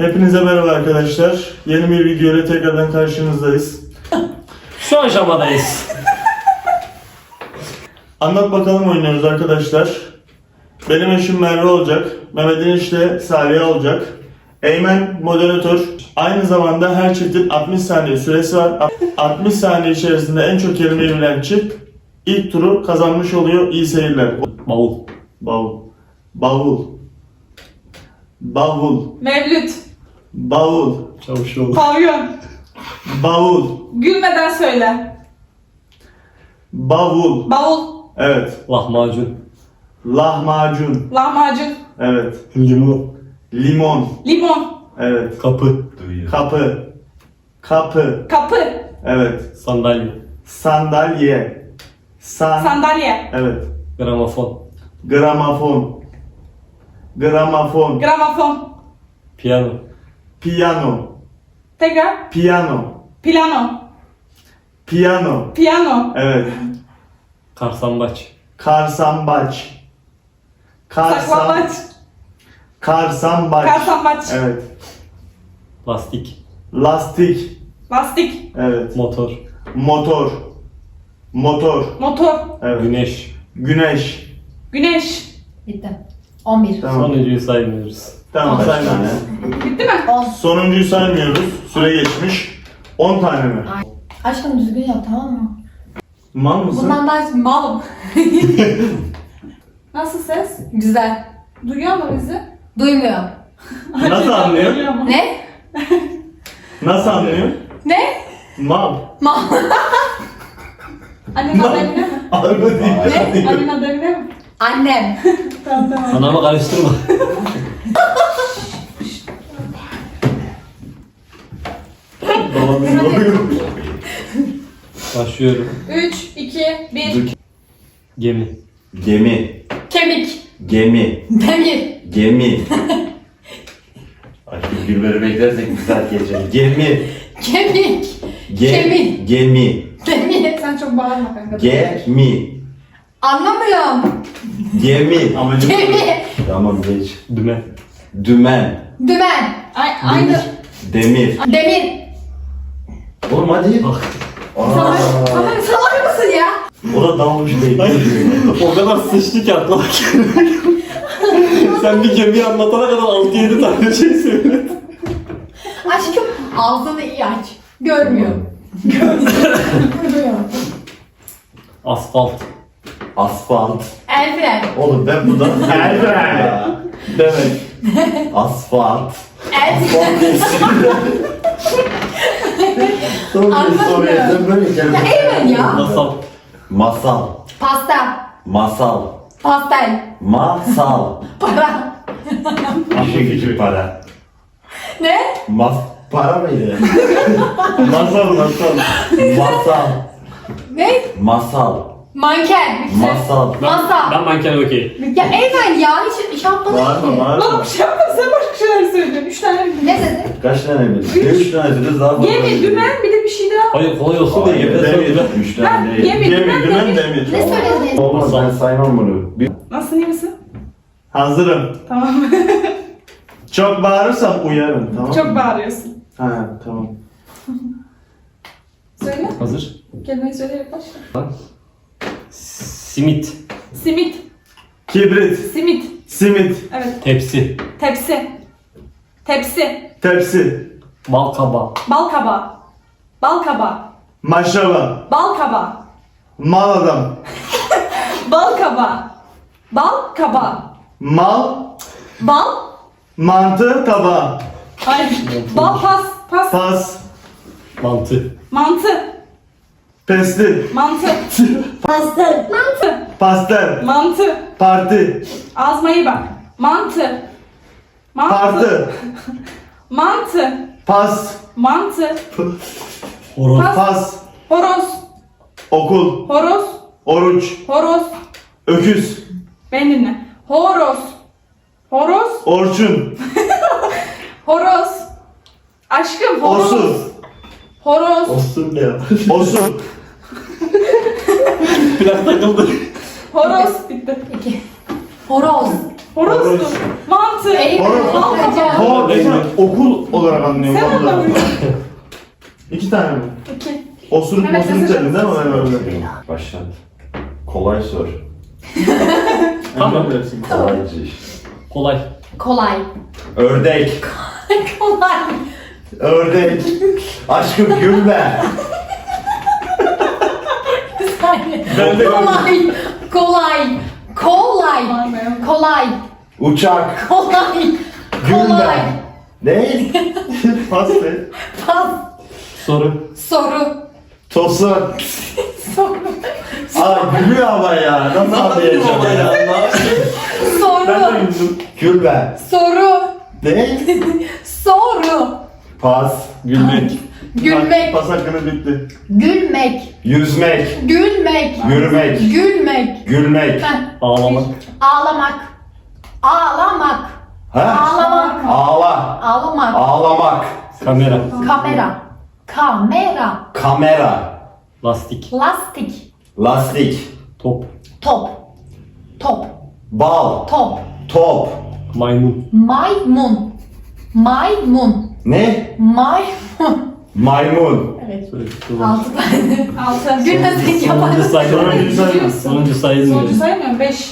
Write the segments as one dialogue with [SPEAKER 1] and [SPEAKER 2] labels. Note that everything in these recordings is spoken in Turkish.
[SPEAKER 1] Hepinize merhaba arkadaşlar. Yeni bir video ile tekrardan karşınızdayız.
[SPEAKER 2] Şu aşamadayız.
[SPEAKER 1] Anlat bakalım oynuyoruz arkadaşlar. Benim eşim Merve olacak. Mehmet'in işte Salih olacak. Eymen moderatör. Aynı zamanda her çiftin 60 saniye süresi var. 60 saniye içerisinde en çok kelimeyi bilen çift ilk turu kazanmış oluyor. İyi seyirler.
[SPEAKER 2] Bavul.
[SPEAKER 1] Bavul. Bavul. Bavul.
[SPEAKER 3] Mevlüt,
[SPEAKER 1] Bavul.
[SPEAKER 2] Çavuşoğlu.
[SPEAKER 3] pavyon.
[SPEAKER 1] Bavul.
[SPEAKER 3] Gülmeden söyle.
[SPEAKER 1] Bavul.
[SPEAKER 3] Bavul,
[SPEAKER 1] Evet.
[SPEAKER 2] Lahmacun.
[SPEAKER 1] Lahmacun.
[SPEAKER 3] lahmacun,
[SPEAKER 1] Evet.
[SPEAKER 2] Limon.
[SPEAKER 1] Limon.
[SPEAKER 3] limon,
[SPEAKER 1] Evet.
[SPEAKER 2] Kapı.
[SPEAKER 1] Kapı. Kapı.
[SPEAKER 3] kapı,
[SPEAKER 1] Evet.
[SPEAKER 2] Sandalye.
[SPEAKER 1] Sandalye.
[SPEAKER 3] sandalye,
[SPEAKER 1] Evet.
[SPEAKER 2] Gramofon.
[SPEAKER 1] Gramofon. Gramofon.
[SPEAKER 3] gramofon,
[SPEAKER 2] Piyano.
[SPEAKER 1] Piyano.
[SPEAKER 3] tekrar,
[SPEAKER 1] Piyano.
[SPEAKER 3] plano,
[SPEAKER 1] Piyano.
[SPEAKER 3] piyano,
[SPEAKER 1] Evet.
[SPEAKER 2] Karsambaç.
[SPEAKER 1] Karsambaç.
[SPEAKER 3] saklambaç,
[SPEAKER 1] Karsambaç.
[SPEAKER 3] karsambaç,
[SPEAKER 1] Evet.
[SPEAKER 2] Lastik.
[SPEAKER 1] Lastik.
[SPEAKER 3] lastik,
[SPEAKER 1] Evet.
[SPEAKER 2] Motor.
[SPEAKER 1] Motor. Motor.
[SPEAKER 3] motor,
[SPEAKER 1] Evet.
[SPEAKER 2] Güneş.
[SPEAKER 1] Güneş.
[SPEAKER 3] güneş.
[SPEAKER 4] Bitti. 11.
[SPEAKER 1] Tamam.
[SPEAKER 2] Sonuncuyu saymıyoruz.
[SPEAKER 1] Tamam
[SPEAKER 4] Kaç
[SPEAKER 1] sayma.
[SPEAKER 3] Bitti mi?
[SPEAKER 4] 10.
[SPEAKER 1] Sonuncuyu saymıyoruz. Süre geçmiş. 10 tane mi?
[SPEAKER 4] Aşkım düzgün yap, tamam mı?
[SPEAKER 1] Mal mısın?
[SPEAKER 4] Bundan daha malım.
[SPEAKER 3] Nasıl ses?
[SPEAKER 4] Güzel.
[SPEAKER 3] Duyuyor mu bizi?
[SPEAKER 4] Duymuyor.
[SPEAKER 1] Nasıl anlıyor?
[SPEAKER 3] Duyuyor mu?
[SPEAKER 4] Ne?
[SPEAKER 1] Nasıl anlıyor?
[SPEAKER 4] Ne?
[SPEAKER 1] Mal.
[SPEAKER 4] Mal.
[SPEAKER 3] Annenin adı Emine mi?
[SPEAKER 1] Araba değil.
[SPEAKER 3] Annenin adı Emine mi?
[SPEAKER 4] Annem.
[SPEAKER 3] Tamam tamam.
[SPEAKER 2] Anamı karıştırma.
[SPEAKER 1] Babamın oluyor.
[SPEAKER 2] Başlıyorum.
[SPEAKER 3] 3, 2, 1.
[SPEAKER 2] Gemi.
[SPEAKER 5] Gemi,
[SPEAKER 4] Kemik.
[SPEAKER 5] gemi,
[SPEAKER 4] Demir.
[SPEAKER 5] gemi. Ay şu gülleri beklersek bir saat geçer. Gemi,
[SPEAKER 4] Kemik. Kemik.
[SPEAKER 5] gemi,
[SPEAKER 4] Demir.
[SPEAKER 3] Sen çok bağırma kanka.
[SPEAKER 5] gemi,
[SPEAKER 4] Anlamıyorum.
[SPEAKER 5] gemi.
[SPEAKER 1] Amacım
[SPEAKER 4] Gemi.
[SPEAKER 5] Tamam geç.
[SPEAKER 2] Dümen.
[SPEAKER 5] Dümen,
[SPEAKER 4] Dümen.
[SPEAKER 3] Aynı.
[SPEAKER 5] demir.
[SPEAKER 4] Demir.
[SPEAKER 5] Oğlum hadi.
[SPEAKER 4] Salak. Salak mısın ya?
[SPEAKER 5] O da dalmış değil.
[SPEAKER 2] O kadar sıçtı ki aklıma gelmedi. Sen bir gemiyi anlatana kadar 6-7 tane şey söyle.
[SPEAKER 4] Aşkım ağzını iyi aç. Görmüyor. Görmüyor.
[SPEAKER 2] Asfalt.
[SPEAKER 5] Asfalt.
[SPEAKER 4] El fren.
[SPEAKER 5] Oğlum ben buradan
[SPEAKER 1] Elbette. Demek.
[SPEAKER 5] Asfalt.
[SPEAKER 4] El
[SPEAKER 5] Sonra soruya sen böyle
[SPEAKER 4] Ya
[SPEAKER 5] gelme.
[SPEAKER 4] Eymen ya.
[SPEAKER 2] Masal.
[SPEAKER 5] Masal,
[SPEAKER 4] Pasta.
[SPEAKER 5] masal,
[SPEAKER 4] Pastel.
[SPEAKER 5] masal.
[SPEAKER 4] Para.
[SPEAKER 5] İşin gücü para.
[SPEAKER 4] Ne?
[SPEAKER 5] Para mıydı?
[SPEAKER 1] Masal.
[SPEAKER 5] Masal,
[SPEAKER 4] Ne?
[SPEAKER 5] masal,
[SPEAKER 4] Manken.
[SPEAKER 5] masal.
[SPEAKER 4] Masa.
[SPEAKER 2] Ben manken okey.
[SPEAKER 4] Ya Eymen ya hiç iş yapmadın
[SPEAKER 1] Bağırma
[SPEAKER 3] Lan
[SPEAKER 1] bağırma.
[SPEAKER 3] bir şey yapma sen başka şeyler söylüyorsun. 3 tane mi?
[SPEAKER 4] Ne dedi?
[SPEAKER 5] Kaç tane mi? 3 tane söyleriz daha fazla.
[SPEAKER 3] Gemi, dümen bir de bir şey daha.
[SPEAKER 2] Hayır kolay olsun diye gemide
[SPEAKER 1] Demir.
[SPEAKER 2] söylediler.
[SPEAKER 5] 3 tane
[SPEAKER 3] Ha,
[SPEAKER 5] değil.
[SPEAKER 3] gemi.
[SPEAKER 1] Gemi, dümen, demir.
[SPEAKER 4] Ne söyledin?
[SPEAKER 5] Olmaz ben saymam bunu.
[SPEAKER 3] Nasılsın, iyi misin?
[SPEAKER 1] Hazırım.
[SPEAKER 3] Tamam.
[SPEAKER 1] Çok bağırırsam uyarım. Tamam
[SPEAKER 3] Çok
[SPEAKER 1] mı?
[SPEAKER 3] bağırıyorsun.
[SPEAKER 1] Ha tamam.
[SPEAKER 3] Söyle.
[SPEAKER 2] Hazır.
[SPEAKER 3] Kelimeyi söyleyerek başla.
[SPEAKER 2] Simit.
[SPEAKER 3] Simit.
[SPEAKER 1] Kibrit.
[SPEAKER 3] Simit.
[SPEAKER 1] Simit.
[SPEAKER 3] Evet.
[SPEAKER 2] Tepsi.
[SPEAKER 3] Tepsi. Tepsi.
[SPEAKER 1] Tepsi.
[SPEAKER 2] Bal kabağı.
[SPEAKER 3] Bal kabağı. Bal kabağı.
[SPEAKER 1] Maşraba.
[SPEAKER 3] Bal kabağı.
[SPEAKER 1] Mal adam.
[SPEAKER 3] Bal kabağı. Bal kabağı.
[SPEAKER 1] Mal.
[SPEAKER 3] Bal.
[SPEAKER 1] Mantı tabağı.
[SPEAKER 3] Hayır. Bal pas. Pas.
[SPEAKER 1] Pas.
[SPEAKER 2] Mantı.
[SPEAKER 3] Mantı.
[SPEAKER 1] Pestil.
[SPEAKER 3] Mantı. Pastır. Mantı.
[SPEAKER 1] Pastel.
[SPEAKER 3] Mantı.
[SPEAKER 1] Parti.
[SPEAKER 3] Ağzıma iyi bak. Mantı. Mantı.
[SPEAKER 1] Partı.
[SPEAKER 3] Mantı.
[SPEAKER 1] Pas.
[SPEAKER 3] Mantı.
[SPEAKER 2] Horoz.
[SPEAKER 3] Pas.
[SPEAKER 1] Pas.
[SPEAKER 3] Horoz.
[SPEAKER 1] Okul.
[SPEAKER 3] Horoz.
[SPEAKER 1] Oruç.
[SPEAKER 3] Horoz.
[SPEAKER 1] Öküz.
[SPEAKER 3] Beni dinle. Horoz. Horoz.
[SPEAKER 1] Orçun.
[SPEAKER 3] Horoz. Aşkım horoz.
[SPEAKER 1] Osur.
[SPEAKER 3] Horoz.
[SPEAKER 5] Olsun ya.
[SPEAKER 1] Osur.
[SPEAKER 2] Biraz takıldı.
[SPEAKER 3] Horoz. Bitti.
[SPEAKER 4] 2. Horoz.
[SPEAKER 3] Horoz. Mantı.
[SPEAKER 4] Eyvah.
[SPEAKER 1] Hor. Okul olarak anlıyorum.
[SPEAKER 3] Sen
[SPEAKER 1] vallahi.
[SPEAKER 3] anlamıyorsun.
[SPEAKER 1] 2 tane mi?
[SPEAKER 3] 2.
[SPEAKER 1] Osuruk
[SPEAKER 3] Evet,
[SPEAKER 1] mosuruk
[SPEAKER 3] mesaj
[SPEAKER 1] dedin değil mi? Ben öyle.
[SPEAKER 5] Başlat. Kolay sor.
[SPEAKER 1] Tamam.
[SPEAKER 5] Kolaycı iş.
[SPEAKER 2] Kolay.
[SPEAKER 4] Kolay.
[SPEAKER 5] Ördek.
[SPEAKER 4] Kolay.
[SPEAKER 5] Ördek. Aşkım gülme.
[SPEAKER 4] Bir saniye.
[SPEAKER 1] Ben de
[SPEAKER 4] Kolay. Kolay. Kolay. Kolay.
[SPEAKER 5] Uçak.
[SPEAKER 4] Kolay.
[SPEAKER 5] Gülme.
[SPEAKER 4] Kolay.
[SPEAKER 5] Ne?
[SPEAKER 1] Pas de.
[SPEAKER 4] Pas.
[SPEAKER 2] Soru.
[SPEAKER 4] Soru.
[SPEAKER 5] Tosun.
[SPEAKER 4] Soru.
[SPEAKER 5] Aa gülüyor ama ya. Nasıl anlayacağım ya?
[SPEAKER 1] Ben de
[SPEAKER 4] Soru.
[SPEAKER 1] güldüm.
[SPEAKER 5] Gülme.
[SPEAKER 4] Soru.
[SPEAKER 5] Ne?
[SPEAKER 4] Soru.
[SPEAKER 5] Pas.
[SPEAKER 2] Gülmek.
[SPEAKER 4] Gülmek.
[SPEAKER 1] Pas hakkını bitti.
[SPEAKER 4] Gülmek.
[SPEAKER 5] Yüzmek.
[SPEAKER 4] Gülmek.
[SPEAKER 5] Yürümek.
[SPEAKER 4] Gülmek.
[SPEAKER 5] Gülmek.
[SPEAKER 4] Heh.
[SPEAKER 2] Ağlamak.
[SPEAKER 4] Ağlamak. Ağlamak.
[SPEAKER 5] Ha?
[SPEAKER 4] Ağlamak.
[SPEAKER 5] Ağla.
[SPEAKER 4] Ağlamak.
[SPEAKER 5] Ağlamak.
[SPEAKER 2] Kamera.
[SPEAKER 4] Kamera. Kamera.
[SPEAKER 5] Kamera.
[SPEAKER 2] Lastik.
[SPEAKER 4] Lastik.
[SPEAKER 5] Lastik.
[SPEAKER 2] Top.
[SPEAKER 4] Top. Top.
[SPEAKER 5] Bal.
[SPEAKER 4] Top.
[SPEAKER 5] Top.
[SPEAKER 2] Maymun.
[SPEAKER 4] Maymun. Maymun.
[SPEAKER 5] Ne?
[SPEAKER 4] Maymun.
[SPEAKER 5] Maymun.
[SPEAKER 4] Evet.
[SPEAKER 2] Söyle.
[SPEAKER 4] 6 tane.
[SPEAKER 3] 6.
[SPEAKER 4] Gülmesek
[SPEAKER 2] Sonuncu
[SPEAKER 4] yaparız.
[SPEAKER 2] sayılmıyor.
[SPEAKER 1] Sonuncu sayılmıyor.
[SPEAKER 2] Sonuncu sayılmıyor.
[SPEAKER 3] Sonucu saymıyorum. 5.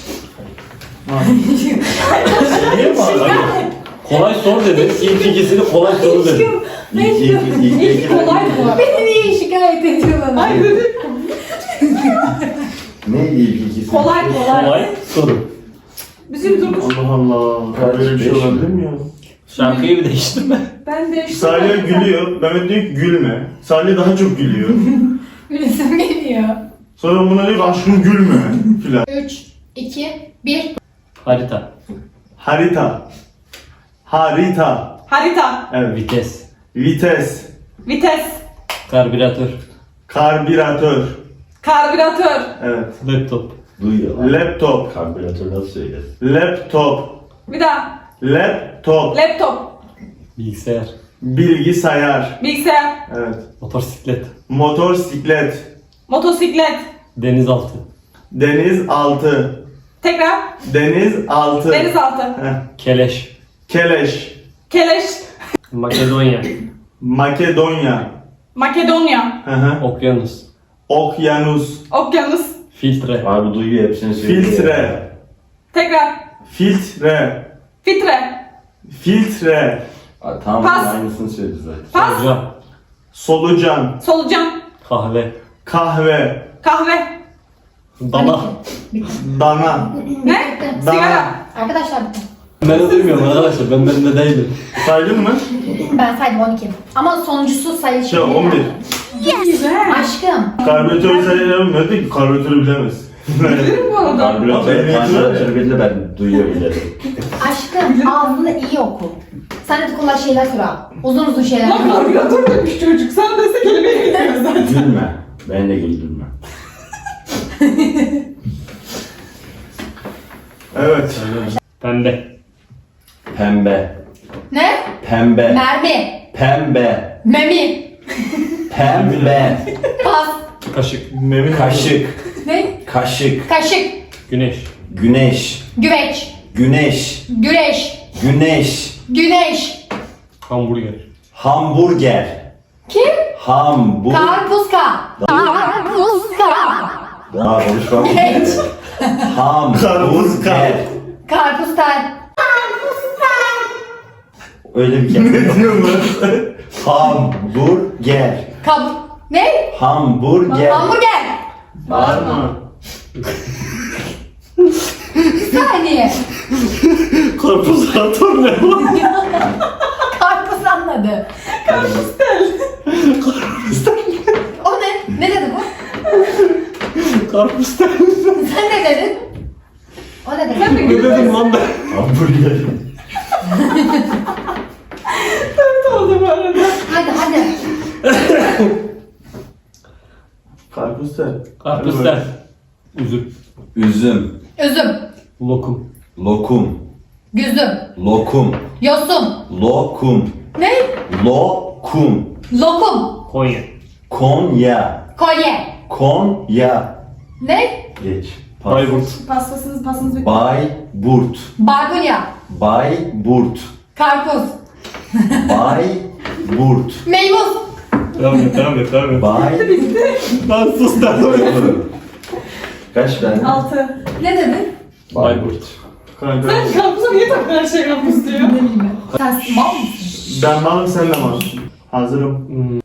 [SPEAKER 2] Niye bağırdın? Kolay sor dedi. İlk ikisini kolay soru dedi.
[SPEAKER 3] İlk kolay bu.
[SPEAKER 4] Beni niye şikayet ediyorlar?
[SPEAKER 3] Hayır dedim.
[SPEAKER 5] Ne ilk ikisi?
[SPEAKER 3] Kolay kolay.
[SPEAKER 2] Kolay soru.
[SPEAKER 3] Bizim durmuş.
[SPEAKER 1] Allah Allah. Böyle bir şey
[SPEAKER 5] Beş.
[SPEAKER 1] olabilir mi ya?
[SPEAKER 2] Şarkıyı bir değiştirme.
[SPEAKER 3] Ben de işte.
[SPEAKER 1] Salih gülüyor. Mehmet diyor ki gülme. Salih daha çok gülüyor.
[SPEAKER 4] Gülüsüm geliyor.
[SPEAKER 1] Sonra buna diyor ki aşkım gülme filan.
[SPEAKER 4] 3, 2, 1.
[SPEAKER 2] Harita.
[SPEAKER 1] Harita. Harita.
[SPEAKER 3] Harita.
[SPEAKER 1] Evet.
[SPEAKER 2] Vites.
[SPEAKER 1] Vites.
[SPEAKER 3] Vites.
[SPEAKER 2] Karbüratör.
[SPEAKER 1] Karbüratör.
[SPEAKER 3] Karbüratör.
[SPEAKER 1] Evet.
[SPEAKER 2] Laptop.
[SPEAKER 5] Duyuyor lan.
[SPEAKER 1] Laptop.
[SPEAKER 5] Karbüratör nasıl söyler?
[SPEAKER 1] Laptop.
[SPEAKER 3] Bir daha.
[SPEAKER 1] Laptop.
[SPEAKER 3] Laptop.
[SPEAKER 2] Bilgisayar.
[SPEAKER 1] Bilgisayar.
[SPEAKER 3] Bilgisayar.
[SPEAKER 1] Evet.
[SPEAKER 2] Motosiklet.
[SPEAKER 1] Motosiklet.
[SPEAKER 3] Motosiklet.
[SPEAKER 2] Denizaltı.
[SPEAKER 1] Denizaltı.
[SPEAKER 3] Tekrar.
[SPEAKER 1] Denizaltı.
[SPEAKER 3] Denizaltı.
[SPEAKER 1] Heh.
[SPEAKER 2] Keleş.
[SPEAKER 1] Keleş.
[SPEAKER 3] Keleş.
[SPEAKER 2] Makedonya.
[SPEAKER 1] Makedonya.
[SPEAKER 3] Makedonya.
[SPEAKER 1] Hı hı.
[SPEAKER 2] Okyanus.
[SPEAKER 1] Okyanus.
[SPEAKER 3] Okyanus.
[SPEAKER 2] Filtre.
[SPEAKER 5] Abi duyuyor hepsini söylüyor.
[SPEAKER 1] Filtre.
[SPEAKER 3] Tekrar.
[SPEAKER 1] Filtre.
[SPEAKER 3] Fitre.
[SPEAKER 1] Filtre.
[SPEAKER 5] Aa, tamam
[SPEAKER 3] Pas.
[SPEAKER 5] aynısını söyledi zaten.
[SPEAKER 3] Pas.
[SPEAKER 2] Solucan.
[SPEAKER 1] Solucan.
[SPEAKER 3] Solucan.
[SPEAKER 2] Kahve.
[SPEAKER 1] Kahve.
[SPEAKER 3] Kahve.
[SPEAKER 2] Dana.
[SPEAKER 1] Dana.
[SPEAKER 3] Ne?
[SPEAKER 1] Dana.
[SPEAKER 3] Sigara.
[SPEAKER 4] Arkadaşlar bitti.
[SPEAKER 2] Ben bilmiyorum arkadaşlar. Ben de değilim.
[SPEAKER 1] Saydın mı?
[SPEAKER 4] Ben saydım 12. Ama sonuncusu sayı
[SPEAKER 1] Şey 11.
[SPEAKER 3] Güzel.
[SPEAKER 4] Aşkım.
[SPEAKER 1] Karbüratörü sayıyorum. Ne dedi ki karbüratörü bilemez.
[SPEAKER 3] Bilirim bu arada.
[SPEAKER 5] Abi
[SPEAKER 1] Karbüratör.
[SPEAKER 5] benim karbüratörü bildi ben duyuyor bile.
[SPEAKER 4] Aşkım ağzını iyi oku. Sen de kolay şeyler sor al. Uzun uzun şeyler
[SPEAKER 3] Lan
[SPEAKER 4] sor.
[SPEAKER 3] karbüratör demiş çocuk. Sen dese kelimeyi bilmiyor zaten.
[SPEAKER 5] Gülme. Ben de güldürme.
[SPEAKER 1] Evet.
[SPEAKER 2] Pembe.
[SPEAKER 5] Pembe.
[SPEAKER 4] Ne?
[SPEAKER 5] Pembe.
[SPEAKER 4] Mermi.
[SPEAKER 5] Pembe.
[SPEAKER 4] Memi.
[SPEAKER 5] Pembe.
[SPEAKER 4] Pas.
[SPEAKER 2] Kaşık.
[SPEAKER 1] Memin.
[SPEAKER 5] Kaşık.
[SPEAKER 4] Ne?
[SPEAKER 5] Kaşık.
[SPEAKER 4] Kaşık.
[SPEAKER 2] Güneş.
[SPEAKER 5] Güneş.
[SPEAKER 4] Güveç.
[SPEAKER 5] Güneş.
[SPEAKER 4] Güreş.
[SPEAKER 5] Güneş.
[SPEAKER 4] Güneş.
[SPEAKER 2] Hamburger.
[SPEAKER 5] Hamburger.
[SPEAKER 4] Kim?
[SPEAKER 5] Hamburger.
[SPEAKER 4] Karpuzka. Karpuzka.
[SPEAKER 5] Daha konuşmam.
[SPEAKER 4] Geç.
[SPEAKER 5] Hamburger.
[SPEAKER 4] Karpuzka.
[SPEAKER 5] Öyle bir
[SPEAKER 1] Ne
[SPEAKER 5] kelime.
[SPEAKER 1] diyorsun lan?
[SPEAKER 5] Hamburger.
[SPEAKER 4] Kab... Ne?
[SPEAKER 5] Hamburger.
[SPEAKER 4] Hamburger.
[SPEAKER 1] Bağırma.
[SPEAKER 4] Bir saniye.
[SPEAKER 2] Karpuzatör ne lan?
[SPEAKER 4] Karpuz anladı. O ne? Ne dedi bu?
[SPEAKER 2] Karpuzatör.
[SPEAKER 4] Sen ne dedin? O ne
[SPEAKER 3] Ben de
[SPEAKER 4] dedi?
[SPEAKER 2] Ne dedim lan ben?
[SPEAKER 5] Hamburger.
[SPEAKER 3] Evet oldu bu arada.
[SPEAKER 4] Hadi hadi.
[SPEAKER 1] Karpuzlar.
[SPEAKER 2] Karpuzatör. Üzüm.
[SPEAKER 5] Üzüm.
[SPEAKER 4] Üzüm.
[SPEAKER 2] Lokum.
[SPEAKER 5] Lokum.
[SPEAKER 4] Güzüm.
[SPEAKER 5] Lokum.
[SPEAKER 4] Yosun.
[SPEAKER 5] Lokum.
[SPEAKER 4] Ne?
[SPEAKER 5] Lokum.
[SPEAKER 4] Lokum.
[SPEAKER 2] Konya.
[SPEAKER 5] Konya.
[SPEAKER 4] Kolye.
[SPEAKER 5] Konya.
[SPEAKER 4] Ne?
[SPEAKER 5] Geç.
[SPEAKER 2] Bayburt.
[SPEAKER 3] Pastanız bitti.
[SPEAKER 5] Bayburt.
[SPEAKER 4] Barbunya.
[SPEAKER 5] Bayburt.
[SPEAKER 4] Karpuz.
[SPEAKER 5] Bayburt.
[SPEAKER 4] Meybuz.
[SPEAKER 2] Devam et.
[SPEAKER 5] Bay.
[SPEAKER 2] Lan sus devam et.
[SPEAKER 5] Kaç tane?
[SPEAKER 3] 6.
[SPEAKER 4] Ne dedin?
[SPEAKER 2] Bayburt.
[SPEAKER 1] Kanka.
[SPEAKER 3] Sen karpuza niye takın her şey karpuz diyor?
[SPEAKER 4] Ne bileyim ben. Sen mal mısın?
[SPEAKER 1] Ben malım sen de malsın. Hazırım.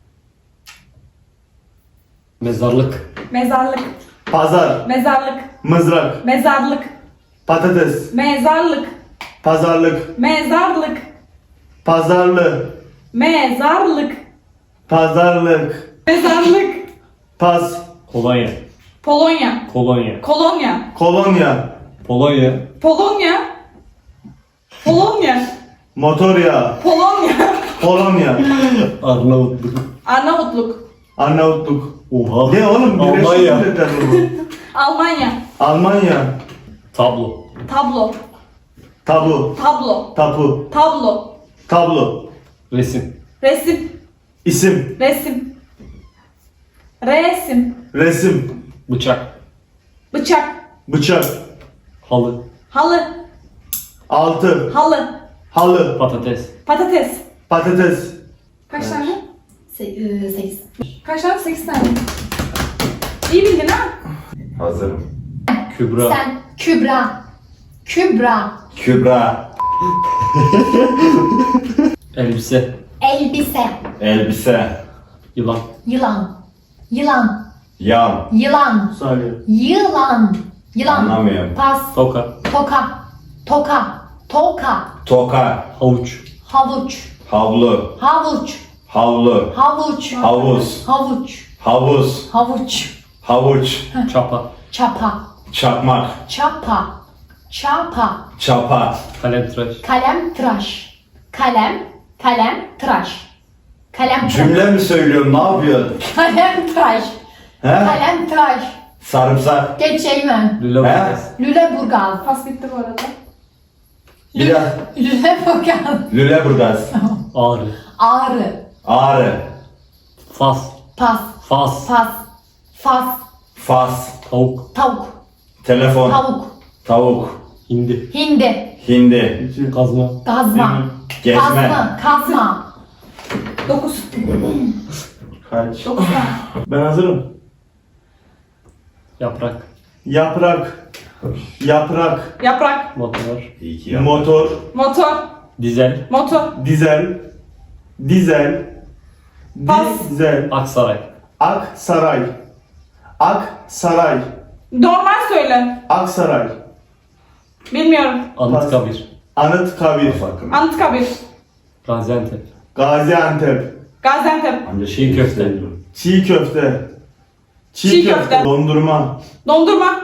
[SPEAKER 2] Mezarlık.
[SPEAKER 3] Mezarlık.
[SPEAKER 1] Pazar.
[SPEAKER 3] Mezarlık.
[SPEAKER 1] Mızrak.
[SPEAKER 3] Mezarlık.
[SPEAKER 1] Patates.
[SPEAKER 3] Mezarlık.
[SPEAKER 1] Pazarlık.
[SPEAKER 3] Mezarlık.
[SPEAKER 1] Pazarlı.
[SPEAKER 3] Mezarlık.
[SPEAKER 1] Pazarlık.
[SPEAKER 3] Mezarlık.
[SPEAKER 1] Pas.
[SPEAKER 2] Kolonya.
[SPEAKER 3] Polonya.
[SPEAKER 2] Kolonya.
[SPEAKER 3] Kolonya.
[SPEAKER 1] Kolonya.
[SPEAKER 2] Polonya.
[SPEAKER 3] Polonya. Polonya.
[SPEAKER 1] Motor yağı.
[SPEAKER 3] Polonya.
[SPEAKER 1] Polonya.
[SPEAKER 2] Arnavutluk.
[SPEAKER 3] Arnavutluk.
[SPEAKER 1] Arnavutluk.
[SPEAKER 2] Oha.
[SPEAKER 1] Ne oğlum? Birleşik
[SPEAKER 2] Almanya.
[SPEAKER 1] Milletler bu.
[SPEAKER 3] Almanya.
[SPEAKER 1] Almanya.
[SPEAKER 2] Tablo.
[SPEAKER 3] Tablo.
[SPEAKER 1] Tabu.
[SPEAKER 3] Tablo.
[SPEAKER 1] Tapu.
[SPEAKER 3] Tablo.
[SPEAKER 1] Tablo.
[SPEAKER 2] Resim.
[SPEAKER 3] Resim.
[SPEAKER 1] İsim.
[SPEAKER 3] Resim. Resim.
[SPEAKER 1] Resim.
[SPEAKER 2] Bıçak.
[SPEAKER 3] Bıçak.
[SPEAKER 1] Bıçak.
[SPEAKER 2] Halı.
[SPEAKER 3] Halı.
[SPEAKER 1] Altı.
[SPEAKER 3] Halı.
[SPEAKER 1] Halı.
[SPEAKER 2] Patates.
[SPEAKER 3] Patates.
[SPEAKER 1] Patates.
[SPEAKER 3] Kaç tane?
[SPEAKER 4] 8.
[SPEAKER 3] Kaç tane? 8 tane. İyi bildin ha?
[SPEAKER 5] Hazırım.
[SPEAKER 2] Kübra.
[SPEAKER 4] Sen Kübra. Kübra.
[SPEAKER 5] Kübra.
[SPEAKER 2] Elbise.
[SPEAKER 4] Elbise.
[SPEAKER 5] Elbise.
[SPEAKER 2] Yılan.
[SPEAKER 4] Yılan. Yılan.
[SPEAKER 5] Yan.
[SPEAKER 4] Yılan.
[SPEAKER 1] Salih.
[SPEAKER 4] Yılan. Yılan.
[SPEAKER 5] Anlamıyorum.
[SPEAKER 4] Pas.
[SPEAKER 2] Toka.
[SPEAKER 4] Toka. Toka. Toka.
[SPEAKER 5] Toka.
[SPEAKER 2] Havuç.
[SPEAKER 4] Havuç.
[SPEAKER 5] Havlu.
[SPEAKER 4] Havuç.
[SPEAKER 5] Havlu.
[SPEAKER 4] Havuç.
[SPEAKER 5] Havuz.
[SPEAKER 4] Havuç.
[SPEAKER 5] Havuz.
[SPEAKER 4] Havuç.
[SPEAKER 5] Havuç.
[SPEAKER 2] Çapa.
[SPEAKER 4] Çapa.
[SPEAKER 5] Çakmak.
[SPEAKER 4] Çapa. Çapa.
[SPEAKER 5] Çapa.
[SPEAKER 2] Kalem tıraş.
[SPEAKER 4] Kalem tıraş. Kalem. Kalem tıraş. Kalem tıraş.
[SPEAKER 5] Cümle mi söylüyorum? Ne yapıyorsun?
[SPEAKER 4] Kalem tıraş.
[SPEAKER 5] He?
[SPEAKER 4] Kalem tıraş.
[SPEAKER 5] Sarımsak.
[SPEAKER 4] Geçeyim.
[SPEAKER 2] Lüleburgaz.
[SPEAKER 4] Lüleburgaz.
[SPEAKER 3] Pas bitti bu arada.
[SPEAKER 5] Biraz.
[SPEAKER 4] Lüleburgaz.
[SPEAKER 5] Lüleburgaz.
[SPEAKER 2] Ağrı.
[SPEAKER 4] Ağrı.
[SPEAKER 5] Ağrı.
[SPEAKER 2] Fas.
[SPEAKER 4] Pas.
[SPEAKER 2] Fas.
[SPEAKER 4] Fas. Fas.
[SPEAKER 5] Fas.
[SPEAKER 2] Tavuk.
[SPEAKER 4] Tavuk.
[SPEAKER 5] Telefon.
[SPEAKER 4] Tavuk.
[SPEAKER 5] Tavuk.
[SPEAKER 2] Hindi.
[SPEAKER 4] Hindi.
[SPEAKER 5] Hindi.
[SPEAKER 1] İki.
[SPEAKER 2] Kazma.
[SPEAKER 4] Gazma.
[SPEAKER 5] Gezme.
[SPEAKER 4] Kazma. Kazma.
[SPEAKER 3] 9.
[SPEAKER 1] Kaç?
[SPEAKER 3] 9 tane.
[SPEAKER 1] Ben hazırım.
[SPEAKER 2] Yaprak.
[SPEAKER 1] Yaprak. Yaprak.
[SPEAKER 3] Yaprak.
[SPEAKER 2] Motor.
[SPEAKER 5] İyi ki
[SPEAKER 1] Motor.
[SPEAKER 3] Motor.
[SPEAKER 2] Dizel.
[SPEAKER 3] Motor.
[SPEAKER 1] Dizel. Dizel.
[SPEAKER 3] Pas.
[SPEAKER 1] Dizel.
[SPEAKER 2] Aksaray.
[SPEAKER 1] Aksaray. Aksaray.
[SPEAKER 3] Normal söyle.
[SPEAKER 1] Aksaray.
[SPEAKER 3] Bilmiyorum.
[SPEAKER 2] Anıtkabir.
[SPEAKER 1] Anıtkabir.
[SPEAKER 3] Anıtkabir.
[SPEAKER 2] Gaziantep.
[SPEAKER 1] Gaziantep.
[SPEAKER 3] Gaziantep.
[SPEAKER 5] Amca
[SPEAKER 2] Çiğ köfte.
[SPEAKER 1] Çiğ köfte.
[SPEAKER 3] Çiğ köfte.
[SPEAKER 1] Dondurma.
[SPEAKER 3] Dondurma.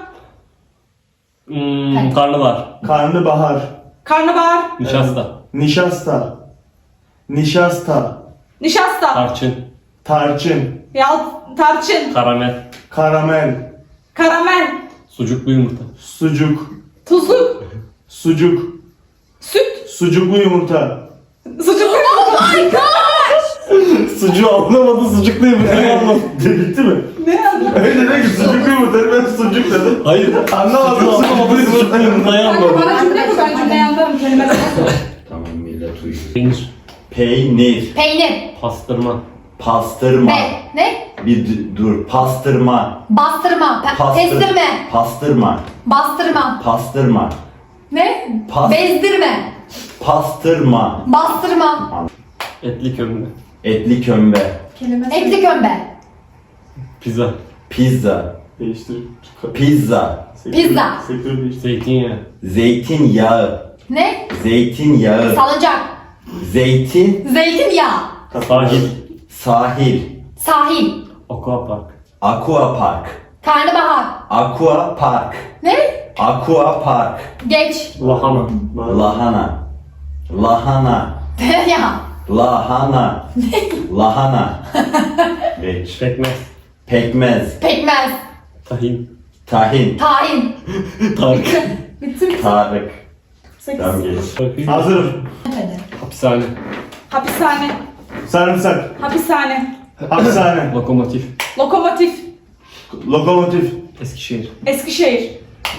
[SPEAKER 2] Karnabahar.
[SPEAKER 1] Karnabahar.
[SPEAKER 3] Karnabahar.
[SPEAKER 2] Nişasta.
[SPEAKER 1] Nişasta. Nişasta.
[SPEAKER 3] Nişasta.
[SPEAKER 2] Tarçın.
[SPEAKER 1] Tarçın.
[SPEAKER 3] Tarçın.
[SPEAKER 2] Karamel.
[SPEAKER 1] Karamel.
[SPEAKER 3] Karamel.
[SPEAKER 2] Sucuklu yumurta.
[SPEAKER 1] Sucuk.
[SPEAKER 3] Tuzluk.
[SPEAKER 1] Sucuk.
[SPEAKER 3] Süt.
[SPEAKER 1] Sucuklu yumurta.
[SPEAKER 3] Sucuk.
[SPEAKER 2] Sucuğu anlamadı, sucuklu yumurtayı anlamadı.
[SPEAKER 1] Bitti mi?
[SPEAKER 3] Ne anladın?
[SPEAKER 1] Öyle dedi ki sucuklu yumurta. Ben sucuk dedim.
[SPEAKER 2] Hayır.
[SPEAKER 1] Anlamadım.
[SPEAKER 2] Sucuğu anlamadı, sucuklu yumurtayı
[SPEAKER 3] Kanka
[SPEAKER 2] anlamadı.
[SPEAKER 3] bana cümle kur, ben cümleyi anlarım. Kelimeleri nasıl?
[SPEAKER 5] Tamam millet uyuyor.
[SPEAKER 2] Peynir.
[SPEAKER 5] Peynir.
[SPEAKER 4] Peynir.
[SPEAKER 2] Pastırma.
[SPEAKER 5] Pastırma.
[SPEAKER 4] Ne?
[SPEAKER 5] Dur. Pastırma.
[SPEAKER 4] Bastırma.
[SPEAKER 5] Pastır-
[SPEAKER 4] Kestirme.
[SPEAKER 5] Pastırma.
[SPEAKER 4] Bastırma.
[SPEAKER 5] Pastırma.
[SPEAKER 4] Ne?
[SPEAKER 5] Pas-
[SPEAKER 4] Bezdirme.
[SPEAKER 5] Pastırma.
[SPEAKER 4] Bastırma.
[SPEAKER 2] Etli kömbe.
[SPEAKER 5] Etli kömbe.
[SPEAKER 3] Kelime
[SPEAKER 4] Etli kömbe.
[SPEAKER 2] Pizza.
[SPEAKER 5] Pizza.
[SPEAKER 1] Değiştir.
[SPEAKER 5] Pizza.
[SPEAKER 4] Pizza.
[SPEAKER 1] Sektör değiştir.
[SPEAKER 2] Zeytinyağı.
[SPEAKER 5] Zeytinyağı.
[SPEAKER 4] Ne?
[SPEAKER 5] Zeytinyağı.
[SPEAKER 4] Salıncak.
[SPEAKER 5] Zeytin.
[SPEAKER 4] Zeytinyağı.
[SPEAKER 2] Sahil.
[SPEAKER 5] Sahil.
[SPEAKER 4] Sahil.
[SPEAKER 2] Aquapark.
[SPEAKER 5] Aqua park.
[SPEAKER 4] Karnabahar.
[SPEAKER 5] Aqua park.
[SPEAKER 4] Ne?
[SPEAKER 5] Aqua park.
[SPEAKER 4] Geç.
[SPEAKER 2] Lahana.
[SPEAKER 5] Lahana. Lahana.
[SPEAKER 4] Tereyağı.
[SPEAKER 5] Lahana. Lahana. Geç.
[SPEAKER 2] Pekmez.
[SPEAKER 5] Pekmez.
[SPEAKER 4] Pekmez.
[SPEAKER 2] Tahin.
[SPEAKER 5] Tahin.
[SPEAKER 4] Tahin.
[SPEAKER 2] Tarık.
[SPEAKER 3] Bitti mi?
[SPEAKER 5] Tarık.
[SPEAKER 3] 8.
[SPEAKER 5] Tamam geç.
[SPEAKER 1] Hazırım.
[SPEAKER 2] Hapishane.
[SPEAKER 3] Hapishane.
[SPEAKER 1] Sarımsak.
[SPEAKER 3] Hapishane.
[SPEAKER 1] Hapishane.
[SPEAKER 2] Lokomotif.
[SPEAKER 3] Lokomotif.
[SPEAKER 1] Lokomotif.
[SPEAKER 2] Eskişehir.
[SPEAKER 3] Eskişehir.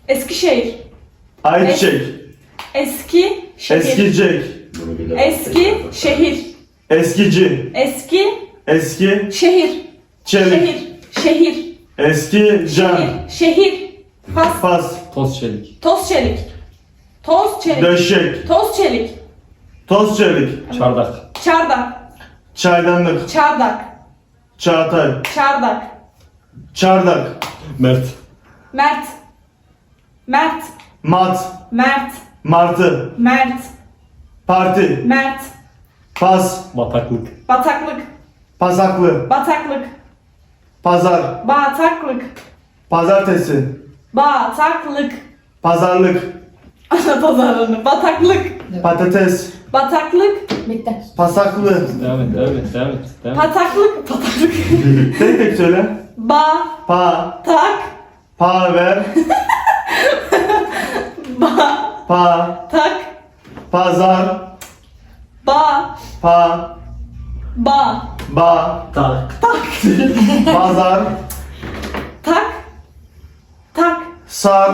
[SPEAKER 3] Eskişehir.
[SPEAKER 1] Ayçiçek.
[SPEAKER 3] Eski şehir.
[SPEAKER 1] Eskicek.
[SPEAKER 5] Bunu bilemem.
[SPEAKER 3] Eski şehir.
[SPEAKER 1] Eskici.
[SPEAKER 3] Eski
[SPEAKER 1] Eski.
[SPEAKER 3] şehir.
[SPEAKER 1] Çelik.
[SPEAKER 3] Şehir.
[SPEAKER 1] Eski can.
[SPEAKER 3] Şehir. Fas.
[SPEAKER 1] Fas.
[SPEAKER 2] Toz çelik.
[SPEAKER 3] Toz çelik. Toz çelik.
[SPEAKER 1] Döşek.
[SPEAKER 3] Toz çelik.
[SPEAKER 1] Toz çelik.
[SPEAKER 2] Çardak.
[SPEAKER 3] Çardak.
[SPEAKER 1] Çaydanlık.
[SPEAKER 3] Çardak.
[SPEAKER 1] Çağatay.
[SPEAKER 3] Çardak.
[SPEAKER 1] Çardak.
[SPEAKER 2] Mert.
[SPEAKER 3] Mert. Mert.
[SPEAKER 1] Mat.
[SPEAKER 3] Mert.
[SPEAKER 1] Martı.
[SPEAKER 3] Mert.
[SPEAKER 1] Parti.
[SPEAKER 3] Mert.
[SPEAKER 1] Pas.
[SPEAKER 2] Bataklık.
[SPEAKER 3] Bataklık.
[SPEAKER 1] Pasaklı.
[SPEAKER 3] Bataklık.
[SPEAKER 1] Pazar.
[SPEAKER 3] Bataklık.
[SPEAKER 1] Pazartesi.
[SPEAKER 3] Bataklık.
[SPEAKER 1] Pazarlık.
[SPEAKER 3] Ana pazarını. Bataklık.
[SPEAKER 1] Patates.
[SPEAKER 3] Bataklık.
[SPEAKER 4] Bitti.
[SPEAKER 1] Pasaklı.
[SPEAKER 2] Devam et, devam et, devam et. Devam et.
[SPEAKER 3] Pataklık. Pataklık.
[SPEAKER 1] Tek tek söyle. Pa.
[SPEAKER 3] Tak.
[SPEAKER 1] Pa ver. Pa.
[SPEAKER 3] Tak.
[SPEAKER 1] Pazar.
[SPEAKER 3] Ba.
[SPEAKER 1] Pa.
[SPEAKER 3] Ba.
[SPEAKER 1] Ba.
[SPEAKER 2] Tak.
[SPEAKER 1] Pazar.
[SPEAKER 3] Tak. Tak.
[SPEAKER 1] Sar.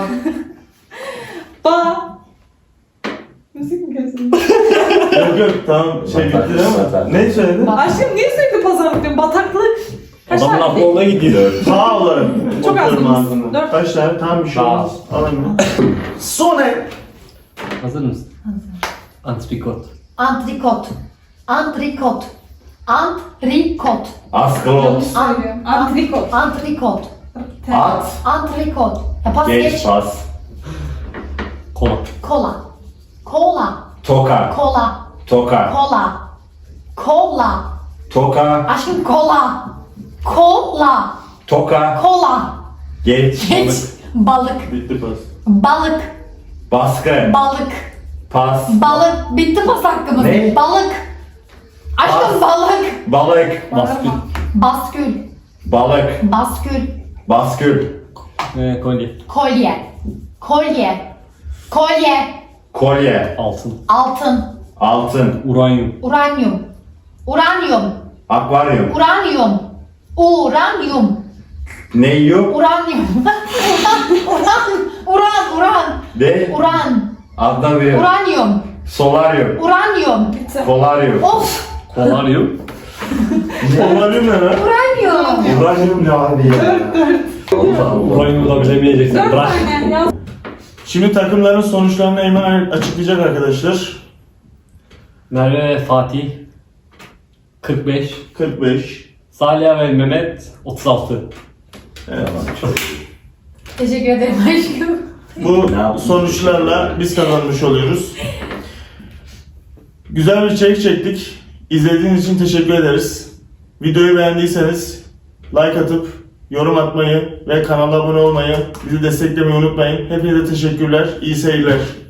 [SPEAKER 3] Ba. Müzik mi kesin?
[SPEAKER 1] Yok yok tamam şey bitti ama. Ne söyledin?
[SPEAKER 3] Aşkım niye sürekli pazarlık diyorsun? Bataklık. Kaç
[SPEAKER 2] Adamın
[SPEAKER 3] tane?
[SPEAKER 2] aklı ona gidiyor.
[SPEAKER 1] Pa olarak.
[SPEAKER 3] Çok az
[SPEAKER 1] okuyorum
[SPEAKER 3] mıyız?
[SPEAKER 1] ağzını.
[SPEAKER 3] Dört.
[SPEAKER 1] Kaç tane? Tamam bir şey
[SPEAKER 2] Sağ ol.
[SPEAKER 1] olmaz. Alayım. Sone.
[SPEAKER 2] Hazır mısın? Antrikot.
[SPEAKER 4] Antrikot. Antrikot. Antrikot.
[SPEAKER 5] Askolot.
[SPEAKER 3] Söylüyorum. Antrikot.
[SPEAKER 4] Antrikot.
[SPEAKER 5] At.
[SPEAKER 4] Antrikot. Ya pas
[SPEAKER 5] Geç
[SPEAKER 4] geç.
[SPEAKER 5] pas.
[SPEAKER 2] Kola.
[SPEAKER 4] Kola. Kola.
[SPEAKER 5] Toka.
[SPEAKER 4] Kola.
[SPEAKER 5] Toka.
[SPEAKER 4] Kola. Kola.
[SPEAKER 5] Toka.
[SPEAKER 4] Aşkım kola. Kola.
[SPEAKER 5] Toka.
[SPEAKER 4] Kola.
[SPEAKER 5] Geç.
[SPEAKER 4] Geç. Balık.
[SPEAKER 1] Bitti pas.
[SPEAKER 4] Balık.
[SPEAKER 5] Baskı.
[SPEAKER 4] Balık.
[SPEAKER 5] Pas.
[SPEAKER 4] Balık. Bitti pas hakkımız.
[SPEAKER 5] Ne?
[SPEAKER 4] Balık. Aşkım
[SPEAKER 5] Pas.
[SPEAKER 4] balık.
[SPEAKER 5] Balık.
[SPEAKER 2] Baskül.
[SPEAKER 4] Baskül.
[SPEAKER 5] Balık.
[SPEAKER 4] Baskül.
[SPEAKER 5] Baskül.
[SPEAKER 2] Kolye.
[SPEAKER 4] Kolye. Kolye. Kolye.
[SPEAKER 5] Kolye.
[SPEAKER 2] Altın.
[SPEAKER 4] Altın.
[SPEAKER 5] Altın.
[SPEAKER 2] Uranyum.
[SPEAKER 4] Uranyum. Uranyum.
[SPEAKER 5] Akvaryum.
[SPEAKER 4] Uranyum. Uranyum.
[SPEAKER 5] Ne yiyor?
[SPEAKER 4] Uranyum. Uran.
[SPEAKER 5] De.
[SPEAKER 4] Uran.
[SPEAKER 5] Adna bir.
[SPEAKER 4] Uranyum.
[SPEAKER 5] Solaryum.
[SPEAKER 4] Uranyum.
[SPEAKER 3] Bitti.
[SPEAKER 5] Kolaryum.
[SPEAKER 4] Of.
[SPEAKER 2] Kolaryum.
[SPEAKER 1] Olabilir mi lan?
[SPEAKER 4] Uranyum.
[SPEAKER 5] Uranyum ne abi ya?
[SPEAKER 2] Uranyumu da bilemeyeceksin.
[SPEAKER 3] Dört
[SPEAKER 2] Bırak.
[SPEAKER 3] tane yaz.
[SPEAKER 1] Şimdi takımların sonuçlarını Eymen açıklayacak arkadaşlar.
[SPEAKER 2] Merve ve Fatih 45.
[SPEAKER 1] 45.
[SPEAKER 2] Salih ve Mehmet 36.
[SPEAKER 1] Evet.
[SPEAKER 4] Teşekkür ederim aşkım.
[SPEAKER 1] Bu sonuçlarla biz kazanmış oluyoruz. Güzel bir içerik çektik. İzlediğiniz için teşekkür ederiz. Videoyu beğendiyseniz like atıp yorum atmayı ve kanala abone olmayı, bizi desteklemeyi unutmayın. Hepinize teşekkürler. İyi seyirler.